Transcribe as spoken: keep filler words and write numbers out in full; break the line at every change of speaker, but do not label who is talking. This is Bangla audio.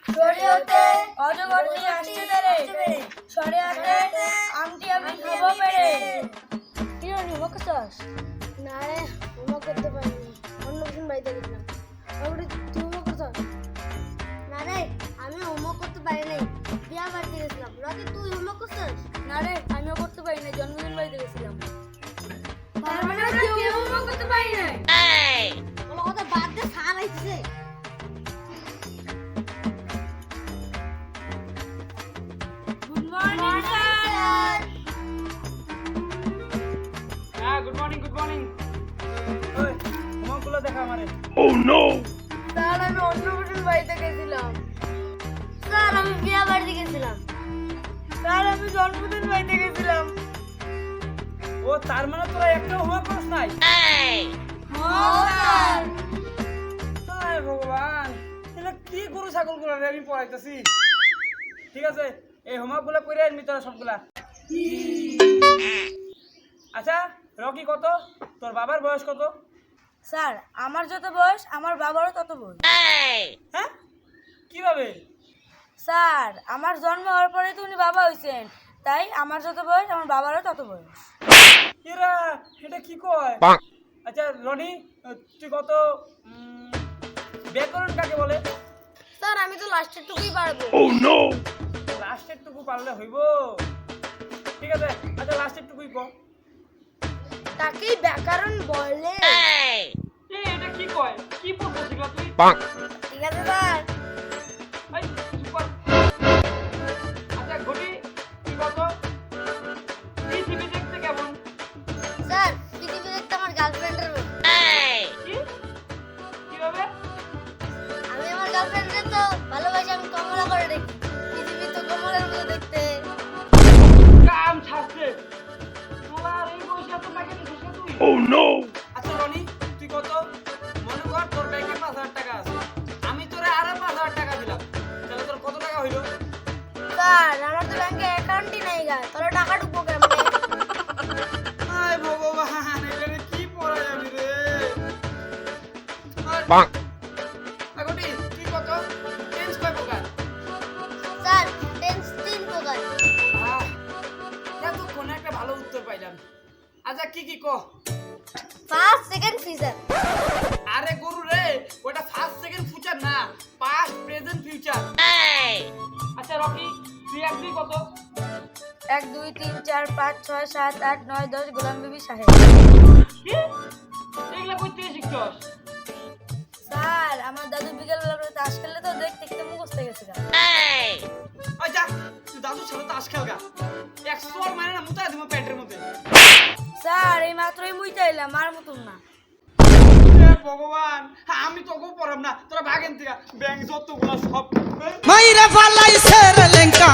শরীয়তে অজগর নিয়ে আসছে তারে শরীয়তে আমটি আমি খাবো পেরে কি রে হোমওয়ার্ক করছস?
না রে হোমওয়ার্ক করতে পারিনি, অন্য কোন বাড়িতে গেছিলাম। তারপরে তুই হোমওয়ার্ক করছস? না রে আমি হোমওয়ার্ক করতে পারি নাই, বিয়া বাড়িতে গেছিলাম। রকি তুই হোমওয়ার্ক করছস?
না রে আমিও করতে পারি না, জন্মদিন বাড়িতে গেছিলাম।
তার মানে আমরা কেউ হোমওয়ার্ক করতে পারি নাই। বলো কথা বাদ দে, সাল আইছে।
Good morning sir.
হ্যাঁ গুড মর্নিং গুড মর্নিং। ওই হোমওয়ার্কগুলো দেখা আমারে।
স্যার আমি অন্য কোন বাড়িতে গেছিলাম।
স্যার আমি বিয়া বাড়িতে গেছিলাম।
স্যার আমি জন্মদিন বাড়িতে গেছিলাম।
ও তার মানে তোরা একটা হোমওয়ার্ক করিস নাই?
স্যার
হায় ভগবান, এটা কি গরু ছাগল গুলো আমি পড়াইতেছি। ঠিক আছে এই হোমওয়ার্কগুলো করে আনবি তোরা সবগুলা। আচ্ছা রকি কত, তোর বাবার বয়স কত?
স্যার আমার যত বয়স আমার বাবারও তত বয়স।
হ্যাঁ কিভাবে?
স্যার আমার জন্ম হওয়ার পরে তো উনি বাবা হয়েছেন, তাই আমার যত বয়স আমার বাবারও তত বয়স।
এরা এটা কি কয়? আচ্ছা রনি তুই কত? উম, ব্যাকরণ কাকে বলে?
স্যার আমি তো লাস্টের টুকুই পারবো।
লাস্টের টুকু পারলে হইব? ঠিক আছে আচ্ছা লাস্টের টুকুই কর।
তাকেই ব্যাকরণ বলে।
এই এটা কি কয়? কি পড়ছিস তুই?
ঠিক আছে স্যার।
এই চুপ কর। আচ্ছা ঘটি তুই কত? পৃথিবী দেখতে কেমন?
স্যার পৃথিবী দেখতে আমার গার্লফ্রেন্ডের মতো।
কি কিভাবে?
আমি আমার গার্লফ্রেন্ডকে তো ভালোবাসি, আমি কমলা করে দেখি। পৃথিবী তো কমলার মতো দেখতে।
কাম ছাড়ছে তোমার এই বয়সে এত টাকা দিছিস না তুই? Oh no. আচ্ছা রনি তুই কত? মনে কর তোর ব্যাংকে পাঁচ হাজার টাকা আছে, আমি তোরে আরো পাঁচ হাজার টাকা দিলাম, তাহলে তোর কত টাকা হইলো?
স্যার আমার তো ব্যাংকে অ্যাকাউন্টই নাই গা, তাহলে টাকা ঢুকবো কেমনে?
হায় ভগবান এখানে কি পড়া যাবি রে? আগটি তুই কত? টেন্স কয় প্রকার?
স্যার টেন্স তিন প্রকার।
আহ, এতক্ষণে একটা ভালো উত্তর পাইলাম। আচ্ছা কি কি ক?
First second feature.
আরে গরু রে, ওটা ফার্স্ট সেকেন্ড ফিউচার না, পাস্ট প্রেজেন্ট ফিউচার। আচ্ছা রকি তুই এক দুই কত?
এক দুই তিন চার পাঁচ ছয় সাত আট নয় দশ গোলাম বিবি সাহেব।
কি এগুলা কইতে শিখছস?
স্যার আমার দাদু বিকেলবেলা করে তাস খেললে তো দেখতে দেখতে মুখস্থ গেছে।
আচ্ছা তুই দাদুর সাথে তাস খেলগা, এক সোর মানে না মুতায় দিমু পেটের মধ্যে।
স্যার এই মাত্রই মুইতে এলাম, আর মতন না।
হে ভগবান আমি তোকেও পড়াম না, তোরা ভাগেন থেকে ব্যাংক যতগুলা সব
মাইরা ফালাইছে রে লেঙ্কা